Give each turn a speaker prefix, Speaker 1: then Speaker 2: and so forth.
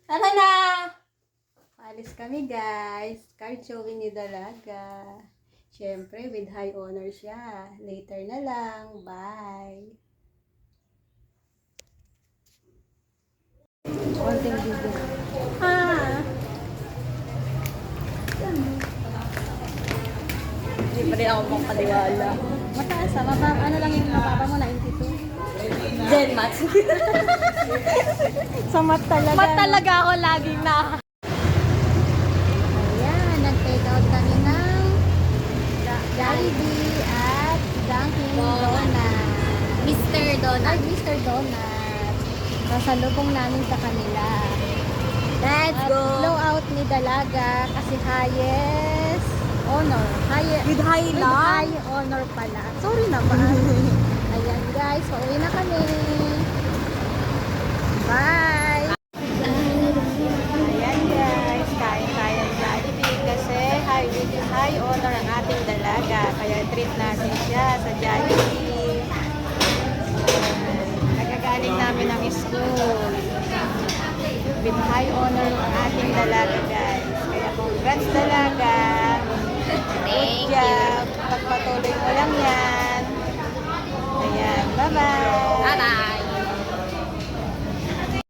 Speaker 1: Tara na! Alis kami guys. Card showing ni Dalaga. Siyempre, with high honor siya. Later na lang. Bye! Konting video. Hindi pa rin ako makapaniwala. Mataas ah. Ano lang yung mababa mo? 92? Gen Max. Sa mat talaga. Mat talaga ako laging na. Ayan, nag-take out kami ng Jollibee at Dunkin Donut.
Speaker 2: Mr. Donut.
Speaker 1: Ay, Mr. Donut. Sasalubong namin sa kanila.
Speaker 2: Let's
Speaker 1: At
Speaker 2: go!
Speaker 1: blowout ni Dalaga kasi highest honor.
Speaker 2: With high
Speaker 1: With
Speaker 2: lang?
Speaker 1: high honor pala. Sorry naman. Ayan guys, pauwi na kami. Bye! Ayan guys, kain tayo ng Jollibee kasi high honor ang ating Dalaga. Kaya treat natin siya sa Jollibee. Nagagaling namin ng school. With high honor ang ating Dalaga guys. Kaya congrats Dalaga.
Speaker 2: Thank
Speaker 1: Good job. Pagpatuloy mo lang yan. Ayan, bye-bye.
Speaker 2: Bye-bye!